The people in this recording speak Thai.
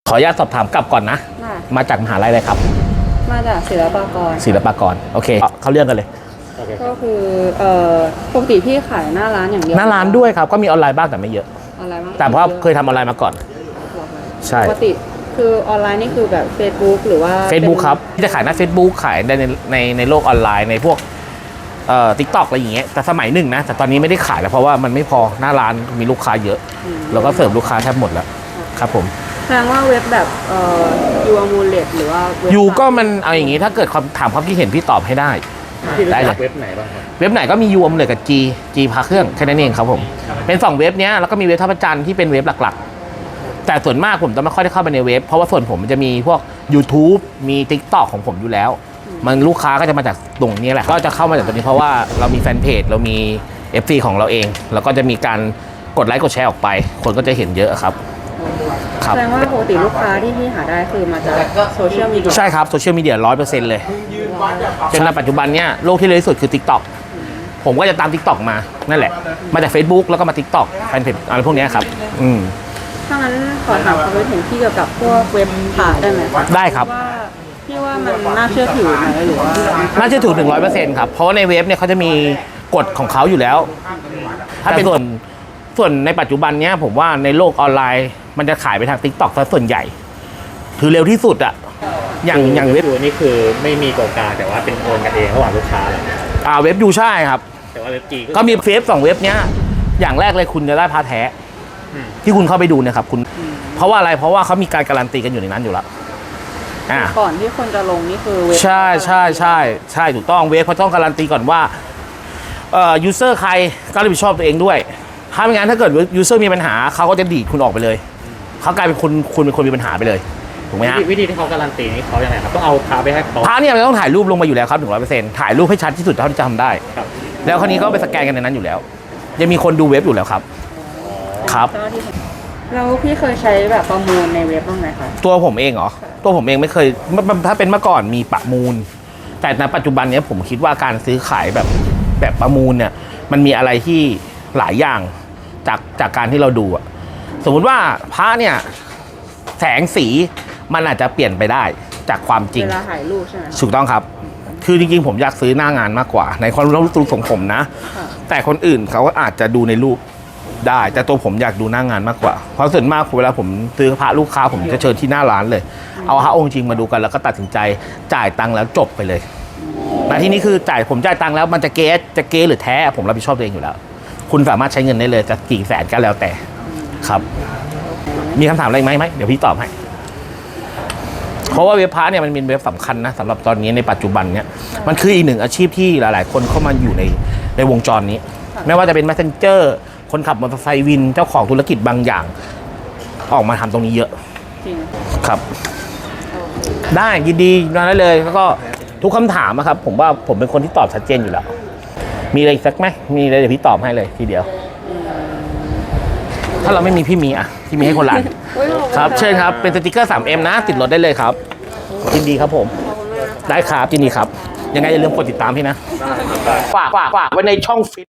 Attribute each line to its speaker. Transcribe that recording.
Speaker 1: ขออนุญาตสอบถามกลับก่อนนะมาจากมหาลัยอะไรครับ
Speaker 2: มาจากศิลปากร
Speaker 1: โอเคเขาเรื่องกันเลย
Speaker 2: ก็คือปกติพี่ขายหน้าร้านอย่างเดียว
Speaker 1: หน้าร้านด้วยครับก็มีออนไลน์บ้างแต่ไม่เยอะ
Speaker 2: ออนไลน์บ้าง
Speaker 1: แต่เพราะเคยทำออนไลน์มาก่อนใช่
Speaker 2: ปกติคือออนไลน์นี่คือแบบ Facebook หรือว่า
Speaker 1: Facebook ครับที่จะขายหน้า Facebook ขายในโลกออนไลน์ในพวกTikTok อะไรอย่างเงี้ยแต่สมัยหนึ่งนะแต่ตอนนี้ไม่ได้ขายแล้วเพราะว่ามันไม่พอหน้าร้านมีลูกค้าเยอะเราก็เสิร์ฟลูกค้าแทบหมดแล้วครับผม
Speaker 2: แสดงว่าเว็บแบบยูอมูเลตหรือว่า
Speaker 1: ยูก็มันเอาอย่างงี้ถ้าเกิดถามความคิดเห็นพี่ตอบให้ได้
Speaker 3: เลยเว็บไหนบ้างครับ
Speaker 1: เว็บไหนก็มียูอมูเลตกับ G พาเครื่องแค่นั้นเองครับผมเป็น2เว็บเนี้ยแล้วก็มีเว็บท่าพระจันทร์ที่เป็นเว็บหลักๆแต่ส่วนมากผมจะไม่ค่อยได้เข้าไปในเว็บเพราะว่าส่วนผมมันจะมีพวก YouTube มี TikTok ของผมอยู่แล้วมันลูกค้าก็จะมาจากตรงนี้แหละก็จะเข้ามาจากตรงนี้เพราะว่าเรามีแฟนเพจเรามี FC ของเราเองแล้วก็จะมีการกดไลค์กดแชร์ออกไปคนก็จะเห็นเยอะครับ
Speaker 2: แสดงว่าปกติลูกค้าที่พี่หาได้คือมาจากโซเชียลมีเดีย
Speaker 1: ใช่ครับโซเชียลมีเดีย 100% เลยจนในปัจจุบันเนี้ยโลกที่เร็วที่สุดคือ TikTok ผมก็จะตาม TikTok มานั่นแหละมาจาก Facebook แล้วก็มา TikTok แฟนเพจอะไรพวกนี้ครับ
Speaker 2: ถ้างั้นขอถามความคิดเห็นพี่เกี่ยวกับพวกเว็บขายได้ไหม
Speaker 1: ได้ครับ
Speaker 2: พี่ว่ามันน่าเชื่อถือไหมหรือว่า
Speaker 1: น่าเชื่อถือ 100% ครับเพราะในเว็บเนี่ยเขาจะมีกฎของเขาอยู่แล้วถ้าเป็นส่วนในปัจจุบันเนี้ยผมว่าในโลกออนไลน์มันจะขายไปทาง TikTok ซะส่วนใหญ่คือเร็วที่สุดอะอย่างเว็บ
Speaker 3: นี่คือไม่มีตัวกลางแต่ว่าเป็นโอนกันเองระหว่างลูกค้าเลย
Speaker 1: เว็บยูใช่ครับ
Speaker 3: แต่ว่าเว็บจี
Speaker 1: ก็มีเฟซ2เว็บเนี้ยอย่างแรกเลยคุณจะได้พาแท้ที่คุณเข้าไปดูเนี่ยครับคุณเพราะว่าอะไรเพราะว่าเขามีการการันตีกันอยู่ในนั้นอยู่แล้ว
Speaker 2: ก่อนที่คนจะลงนี่คือเว็บ
Speaker 1: ใช่ถูกต้องเว็บเขาต้องการันตีก่อนว่ายูเซอร์ใครก็รับผิดชอบตัวเองด้วยถ้าไม่งั้นถ้าเกิดยูเซอร์มีปัญหาเขาก็จะดีดคุณออกไปเลยเขากลายเป็นคุณเป็นคนมีปัญหาไปเลยถูกไหมฮะ
Speaker 3: วิธีที่เขาการันตีนี่เขาอย่างไรครับต้องเอาพาไปให้เขา
Speaker 1: พาเนี่ยมันต้องถ่ายรูปลงมาอยู่แล้วครับ 100% ถ่ายรูปให้ชัดที่สุดเท่าที่จะทำได้แล้วคราวนี้ก็ไปสแกนกันในนั้นอยู่แล้วยังมีคนดูเว็บอยู่แล้วครับครับ
Speaker 2: แล้วพี่เคยใช้แบบประมูลในเว็บบ้างไหมคะ
Speaker 1: ตัวผมเองเหรอตัวผมเองไม่เคยถ้าเป็นเมื่อก่อนมีประมูลแต่ในปัจจุบันนี้ผมคิดว่าการซื้อขายแบบประมูลเนี่ยมันมีอะไรที่หลายอย่างจากการที่เราดูอะสมมุติว่าพระเนี่ยแสงสีมันอาจจะเปลี่ยนไปได้จากความจริง
Speaker 2: เวลาถ่ายรูปใช่ไหม
Speaker 1: ถูกต้องครับคือจริงๆผมอยากซื้อหน้างานมากกว่าในความรู้สึกของผมนะแต่คนอื่นเขาก็อาจจะดูในรูปได้แต่ตัวผมอยากดูหน้างานมากกว่าเพราะส่วนมากเวลาผมซื้อพระลูกค้าผมจะเชิญที่หน้าร้านเลยเอาพระองค์จริงมาดูกันแล้วก็ตัดสินใจจ่ายตังค์แล้วจบไปเลยแต่ที่นี้คือผมจ่ายตังค์แล้วมันจะเก๊หรือแท้ผมรับผิดชอบตัวเองอยู่แล้วคุณสามารถใช้เงินได้เลยจะกี่แสนก็แล้วแต่ครับมีคำถามอะไรไหมเดี๋ยวพี่ตอบให้เพราะว่าเว็บพาร์ทเนี่ยมันเป็นเว็บสำคัญนะสำหรับตอนนี้ในปัจจุบันเนี่ยมันคืออีกหนึ่งอาชีพที่หลายๆคนเข้ามาอยู่ในวงจรนี้ไม่ว่าจะเป็น Messenger คนขับมอเตอร์ไซค์วินเจ้าของธุรกิจบางอย่างออกมาทำตรงนี้เยอะครับได้ยินดีมาได้เลยแล้วก็ทุกคำถามนะครับผมว่าผมเป็นคนที่ตอบชัดเจนอยู่แล้วมีอะไรสักไหมมีอะไรเดี๋ยวพี่ตอบให้เลยทีเดียวถ้าเราไม่มีพี่มีพี่มีให้คนละครับเชิญครับเป็นสติกเกอร์ 3M นะติดรถได้เลยครับยินดีครับผมได้ครับยินดีครับยังไงอย่าลืมกดติดตามพี่นะฝากไว้ในช่องฟิต